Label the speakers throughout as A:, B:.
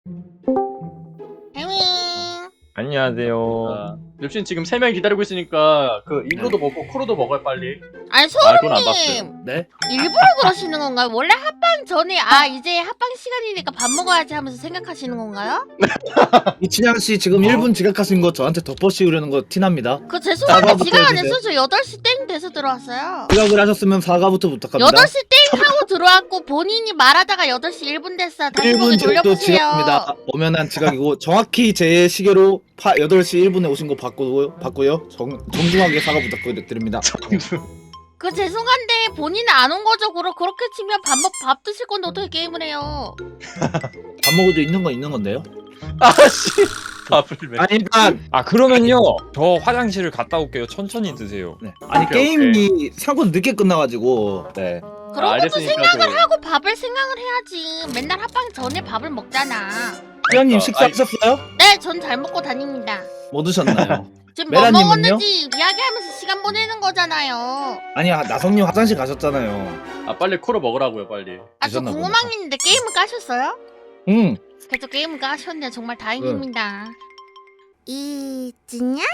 A: 안녕하세요.
B: 엽신 지금 3명 기다리고 있으니까 그 이브로도 먹고 쿠로도 먹어요 빨리.
C: 아니
B: 그건 안 봤어요.
C: 소름님
D: 네?
C: 일부러 그러시는 건가요? 원래 합방 전에 이제 합방 시간이니까 밥 먹어야지 하면서 생각하시는 건가요?
D: 이춘향 씨 지금 1분 지각하신 거 저한테 덮어씌우려는 거 티납니다.
C: 그 죄송한데
D: 사과부터
C: 지각 안
D: 해주세요.
C: 했어요. 저 8시 땡 돼서 들어왔어요.
D: 지각을 하셨으면 사과부터 부탁합니다.
C: 8시 땡 하고 들어왔고 본인이 말하다가 8시 1분 됐어요. 다시 보기
D: 1분 지각도
C: 돌려보세요.
D: 지각입니다. 엄연한 지각이고 정확히 제 시계로 8시 1분에 오신 거 봤고요. 정중하게 사과 부탁드립니다.
C: 그 죄송한데 본인은 안 온 거죠. 그렇게 치면 밥 드실 건데 어떻게 게임을 해요?
D: 밥 먹어도 있는 건 있는 건데요?
B: 아씨. 밥을 왜?
D: 아니 그러니까
A: 그러면요. 저 화장실을 갔다 올게요. 천천히 드세요.
D: 네. 아니
B: 오케이,
D: 게임이 생각보다 늦게 끝나가지고 네.
C: 그런 것도
B: 알겠으니까
C: 생각을 하고 밥을 생각을 해야지. 맨날 합방 전에 밥을 먹잖아.
D: 수현님
B: 그러니까,
D: 식사하셨어요?
C: 네, 전 잘 먹고 다닙니다.
D: 뭐 드셨나요?
C: 지금 뭐
D: 메라님은요?
C: 먹었는지 이야기하면서 시간 보내는 거잖아요.
D: 아니 나성님 화장실 가셨잖아요.
B: 빨리 쿠로 먹으라고요 빨리.
C: 저
D: 드셨나
C: 궁금한 게 있는데 게임을 까셨어요?
D: 응.
C: 그래도 게임을 까셨네. 정말 다행입니다. 이진양이요.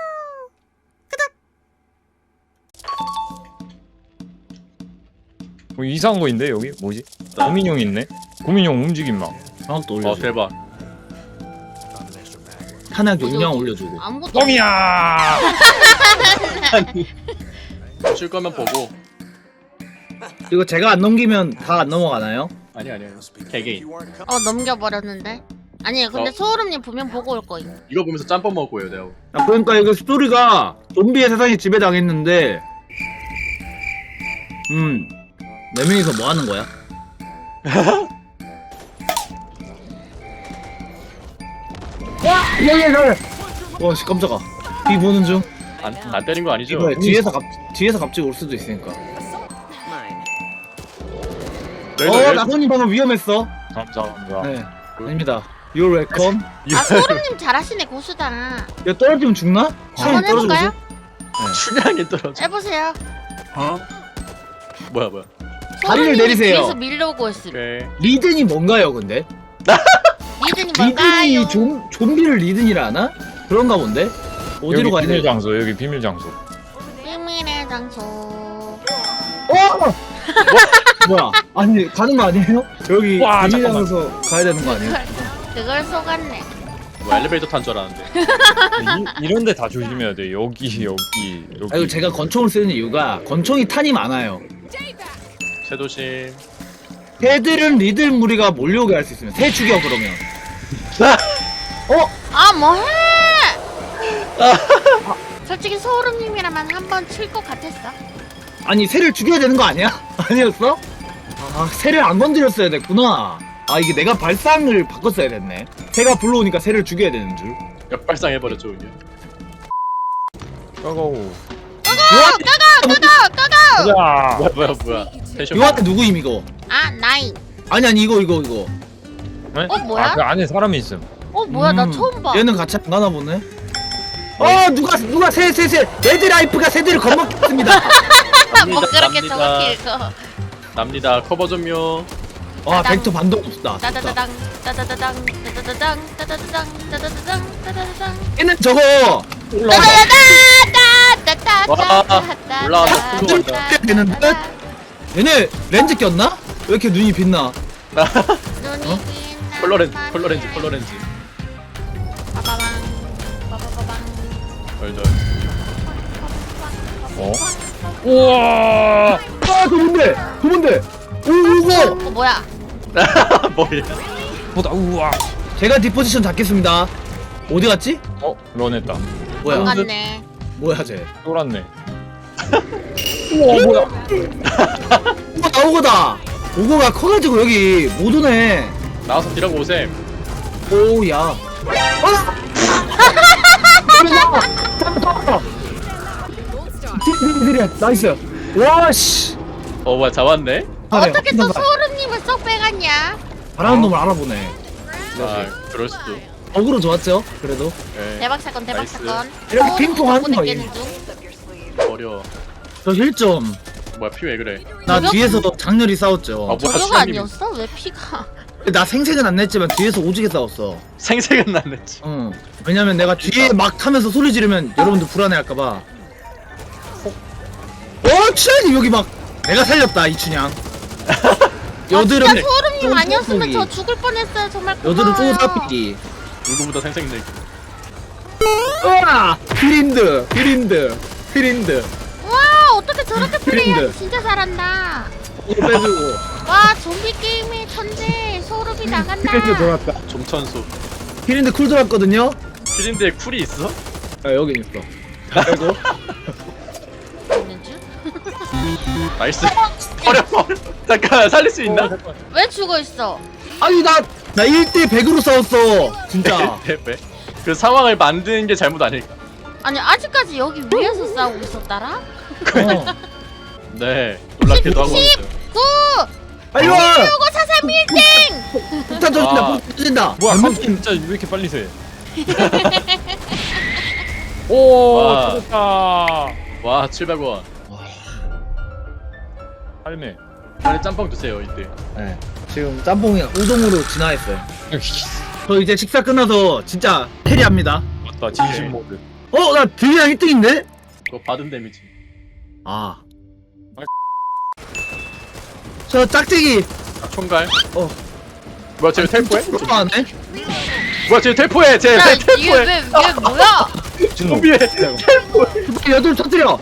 A: 뭐 이상한 거 있는데 여기 뭐지? 고민형 있네. 고민형 움직임 막.
D: 하나 또 올려줘.
B: 대박.
D: 하나 용량 올려주고.
C: 아무것도
A: 뻥이야.
B: 쉴 거면 보고.
D: 이거 제가 안 넘기면 다 안 넘어가나요?
B: 아니 개개인.
C: 넘겨버렸는데. 아니에요. 근데 소울음님 분명 보고 올 거예요.
B: 이거 보면서 짬뽕 먹을 거예요 내가.
D: 그러니까 이거 스토리가 좀비의 세상에 지배당했는데 4명이서 뭐 하는 거야? 와! 씨 깜짝아. 비 보는 중.
B: 안 때린 거 아니죠?
D: 이거 뒤에서 갑자기 올 수도 있으니까. 나선님 방금 위험했어.
A: 감사합니다.
D: 네. 아닙니다. You're welcome.
C: 소울음님 잘하시네. 고수다.
D: 야 떨어지면 죽나?
C: 한번 해볼까요?
B: 춘향이 떨어져.
C: 해보세요.
B: 뭐야.
D: 다리를
C: 소울음님이
D: 내리세요.
C: 뒤에서 밀려오고 있음.
B: 오케이.
D: 리든이 뭔가요 근데?
C: 리든이 뭔가요?
D: 리든이 좀비를 리든이라 하나? 그런가 본데? 어디로
A: 여기
D: 가야
A: 비밀
D: 돼?
A: 장소. 여기 비밀 장소.
C: 비밀의 장소.
D: 뭐야? 아니 가는 거 아니에요? 여기
A: 와,
D: 비밀장소 가야 되는 거 아니에요?
C: 그걸 속았네.
B: 뭐 엘리베이터 탄 줄 알았는데.
A: 이런데 다 조심해야 돼. 여기.
D: 아 이거 제가 권총을 쓰는 이유가 권총이 탄이 많아요.
B: 새도심.
D: 새들은 리들 무리가 몰려오게 할 수 있으면 새 죽여 그러면.
C: 뭐해? 솔직히 소울음님이라면 한번 칠 것 같았어.
D: 아니 새를 죽여야 되는 거 아니야? 아니었어? 새를 안 건드렸어야 됐구나. 이게 내가 발상을 바꿨어야 됐네. 새가 불러오니까 새를 죽여야 되는 줄.
B: 역발상 해버렸죠 그냥.
A: 까가오.
C: 까가!
A: 가자.
B: 뭐야. 텐션.
D: 요한테 누구임 이거?
C: 나인.
D: 아니 이거.
A: 네?
C: 뭐야?
A: 그 안에 사람이 있음.
C: 뭐야? 나 처음 봐.
D: 얘는 같이 안 가나 보네. 누가 새 레드라이프가 새들을 겁먹겠습니다.
C: 뭐 그렇게 정확히 읽어.
B: 납니다. 커버 좀요.
D: 벡터 반동 없다.
C: 따다다당 따다다당 따다다당 따다다당 따다다당 따다다당
D: 얘는 저거
B: 와, 올라와서 큰 거 같다.
D: 되는 듯? 얘네 렌즈 꼈나? 왜 이렇게 눈이 빛나?
C: 눈이 빛나
B: 컬러렌즈.
C: 빠바방 빠바바방
B: 덜덜.
A: 우와.
D: 그 뭔데? 오고!
C: 뭐야?
B: 뭐야?
A: 보다. 우와.
D: 제가 디포지션 잡겠습니다. 어디 갔지?
A: 런했다.
D: 뭐야?
C: 똑같네.
D: 뭐야 쟤?
A: 쫄았네.
D: 뭐야? 오고다! 오고가 커가지고 여기 못 오네.
B: 나와서 뛰라고 오셈.
D: 오야. 딜 나이스. 와씨.
B: 뭐야 잡았네?
C: 어떻게 또 소름님을 쏙 빼갔냐?
D: 잘하는 놈을 알아보네.
B: 그럴 수도.
D: 어그로 좋았죠? 그래도
B: 네.
C: 대박 사건 대박
B: 나이스.
C: 사건.
D: 이렇게 핑퐁 하는 거예요.
C: 느끼는 중.
B: 버려.
D: 저 1점.
B: 뭐야 피 왜 그래?
D: 나
C: 저격?
D: 뒤에서 장렬히 싸웠죠.
B: 뭐야,
C: 저격
B: 수장님.
C: 아니었어? 왜 피가?
D: 나 생색은 안 냈지만 뒤에서 오지게 싸웠어.
B: 생색은 안 냈지.
D: 응. 왜냐면 내가 뒤에 막 타면서 소리 지르면 여러분들 불안해할까봐. 춘향님 여기 막 내가 살렸다 이춘향. 여드름
C: 진짜 소름님 아니었으면
D: 쫑쫑이.
C: 저 죽을 뻔했어요. 정말 고마워요.
D: 여드름 쪼사삐기.
B: 누구보다 생색 내기.
D: 으아! 피린드.
C: 와 어떻게 저렇게 플레이하지?
D: 그린드.
C: 진짜 잘한다.
D: 이거 빼주고.
C: 와 좀비 게임의 천재 소름이 나간다.
D: 피린드 돌았다.
B: 좀천수.
D: 피린드 쿨 돌았거든요.
B: 피린드에 쿨이 있어?
D: 아 여긴 있어. 빼고.
C: 있는 줄?
B: 나이스. 버려. 잠깐 살릴 수 있나?
C: 왜 죽어 있어?
D: 아니 나 1대 100으로 싸웠어. 진짜.
B: 왜? 그 상황을 만드는 게 잘못 아닐까?
C: 아니 아직까지 여기 위에서 싸우고 있었다라?
D: 어.
B: 네. 놀랍게도 하고 있어요.
C: 9!
D: 빨리 와.
C: 요거 사살 빌딩!
D: 폭탄 터진다.
B: 와.
D: 폭탄 터진다.
A: 뭐야
D: 잘못
A: 깜 진짜 왜 이렇게 빨리 새?
B: 와.
A: 오 터졌다.
B: 와 700원.
A: 할매.
B: 빨리 짬뽕 드세요 이때.
D: 네. 지금 짬뽕이 우동으로 진화했어요. 저 이제 식사 끝나서 진짜 캐리합니다.
A: 맞다 진심 모드.
D: 나 딜량 1등인데?
B: 그거 받은 데미지.
D: 아. 저 짝대기.
B: 총갈.
D: 어.
B: 뭐야 쟤 텔포해?
D: 안 해?
B: 뭐야 쟤 텔포해? 쟤
C: 야,
B: 왜
C: 이게
B: 텔포해?
C: 왜 뭐야?
B: 좀비에
D: 여덟 터뜨려.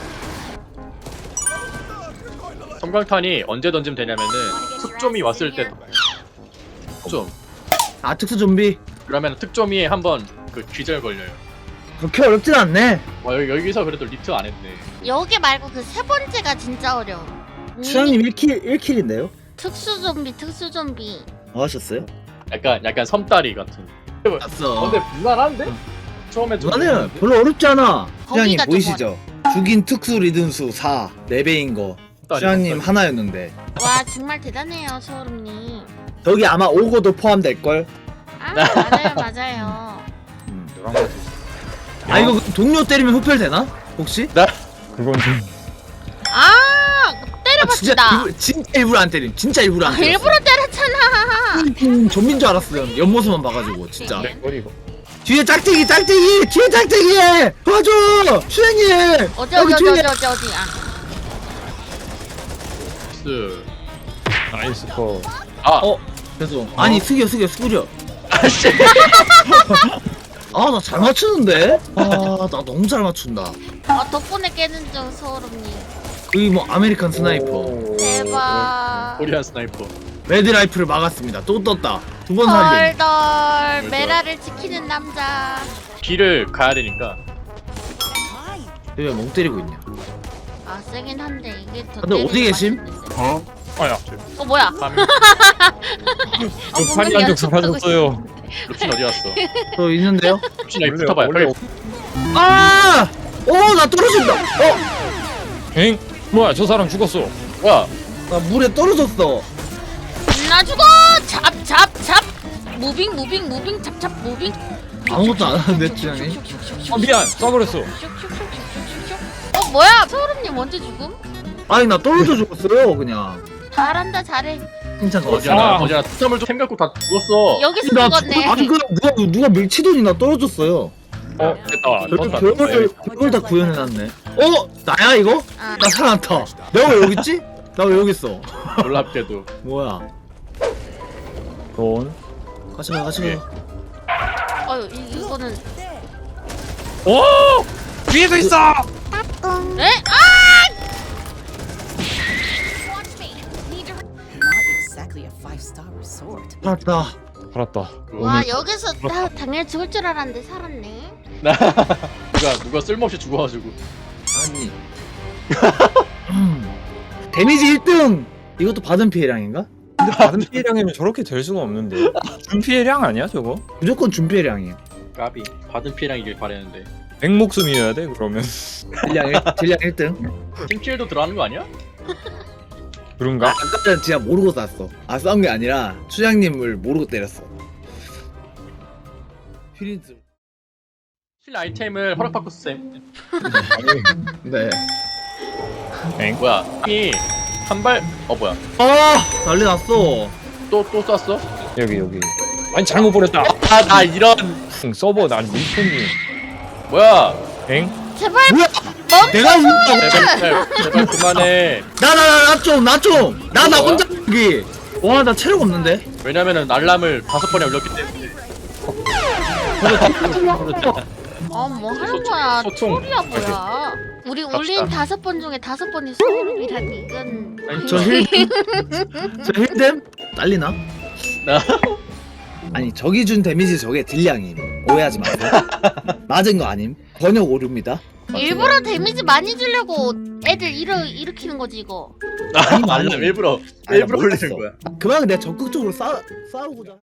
B: 섬광탄이 언제 던지면 되냐면은 특조미 왔을 때 특좀
D: 아 특수 좀비.
B: 그러면 특조미에 한번 그 기절 걸려요.
D: 그렇게 어렵진 않네.
B: 와 여기서 그래도 리트 안 했네.
C: 여기 말고 그 세 번째가 진짜 어려워.
D: 추장님 1킬인데요?
C: 특수 좀비.
D: 뭐 하셨어요?
B: 약간 섬다리 같은.
D: 봤어.
B: 근데 무난한데? 처음에 좀
D: 나는 별로 어렵지 않아. 추장님
C: 거기가 좀
D: 보이시죠? 죽인 특수 리듬수 4 4배인 거.
B: 섬다리,
D: 추장님
B: 섬다리.
D: 하나였는데
C: 와 정말 대단해요 소름님.
D: 여기 아마 오고도 포함될걸?
C: 아 맞아요.
A: 노란 거.
D: 아 이거 동료 때리면 흡혈 되나? 혹시?
A: 그건 좀.
C: 아
D: 진짜
C: 때려봅시다.
D: 진짜 일부러 안 때림. 진짜 일부러 안
C: 아,
D: 때림.
C: 일부러 때렸잖아.
D: 좀비인 줄 알았어요. 옆모습만 봐가지고 진짜.
C: 네.
A: 머리고.
D: 뒤에 짝대기 뒤에 짝대기 도와줘 수행님
C: 어디. 아
B: 스.
A: 나이스 거.
B: 아.
D: 죄송. 아니 숙여.
B: 아씨.
D: 아 나 잘 맞추는데? 아 나 너무 잘 맞춘다.
C: 덕분에 깨는 중 소름님.
D: 여기 뭐 아메리칸 스나이퍼
A: 오.
C: 대박.
B: 코리안 스나이퍼.
D: 레드라이프를 막았습니다. 또 떴다. 두 번 살림.
C: 덜덜 메라를 지키는 남자.
B: 길을 가야 되니까.
D: 왜 멍 때리고 있냐?
C: 아 세긴 한데 이게 더.
D: 근데 어디 계심?
A: 아야.
C: 뭐야?
B: 밤.
A: 저 판이 한쪽 사라졌어요.
B: 루틴 어디 갔어?
D: 저 있는데요?
B: 루틴 여기 붙어봐요.
A: 원래
B: 빨리.
D: 아! 나 떨어진다.
A: 엥? 뭐야 저 사람 죽었어.
B: 뭐야?
D: 나 물에 떨어졌어.
C: 나 죽어. 잡. 무빙 잡 무빙.
D: 아무것도 안 하는데 주장님.
A: 미안 써버렸어.
C: 뭐야? 소름님 언제 죽음?
D: 아니 나 떨어져 죽었어요 그냥.
C: 잘한다 잘해.
D: 칭찬
B: 어제나
A: 아.
B: 틈을 좀 생각고 다 죽었어.
C: 여기서
D: 나
C: 죽었네.
D: 아니 그 누가 밀치더니 나 떨어졌어요.
A: 됐다.
D: 별걸 다 구현해놨네. 나야 이거?
C: 아.
D: 나 살아났다. 내가 왜 여기 있지? 나 왜 여기 있어?
B: 놀랍게도.
D: 뭐야?
A: 돈.
D: 같이 가.
C: 이거는.
A: 오! 뒤에도 있어.
C: 에?
E: Not exactly a five-star resort.
D: 살았다.
A: 살았다.
C: 와 여기서 나 당연히 죽을 줄 알았는데 살았네.
B: 누가 쓸모없이 죽어가지고.
D: 아니. 데미지 1등. 이것도 받은 피해량인가?
A: 근데 받은 피해량이면 저렇게 될 수가 없는데. 준 피해량 아니야 저거?
D: 무조건 준 피해량이에요.
B: 까비. 받은 피해량이길 바랬는데.
A: 100목숨이어야 돼 그러면.
D: 딜량 1등.
B: 팀킬도 들어가는 거 아니야?
A: 그런가?
D: 아까 전에 진짜 모르고 쐈어. 싸운 게 아니라 추장님을 모르고 때렸어. 휘린스.
B: 실 아이템을 허락받고 쌤.
D: 네.
A: 엥?
B: 뭐야? 이 한 발. 뭐야?
D: 난리 났어.
B: 또 쐈어?
A: 여기. 아니 잘못 버렸다.
B: 나 이런
A: 서버 난 밀펜이.
B: 뭐야?
A: 엥?
C: 제발
D: 뭐야? 내가 운다고?
B: 제발 그만해.
D: 나 혼자 여기. 와, 나 체력 없는데.
B: 왜냐면은 알람을 5번에 올렸기 때문에.
C: 뭐 하는 거야?
B: 소통.
C: 소리야 뭐야? 우리 울린 5번 중에 5번이 소름이라니 이건.
D: 아니, 저 힐댐 딸리나? 아니, 저기 준 데미지 저게 딜량임. 오해하지 마세요. 맞은 거 아님. 번역 오류입니다.
C: 일부러 데미지 많이 주려고 애들 일으키는 거지 이거.
B: 알람 일부러
D: 아니, 나
B: 올리는
D: 몰랐어.
B: 거야.
D: 그만 내가 적극적으로 싸우고자.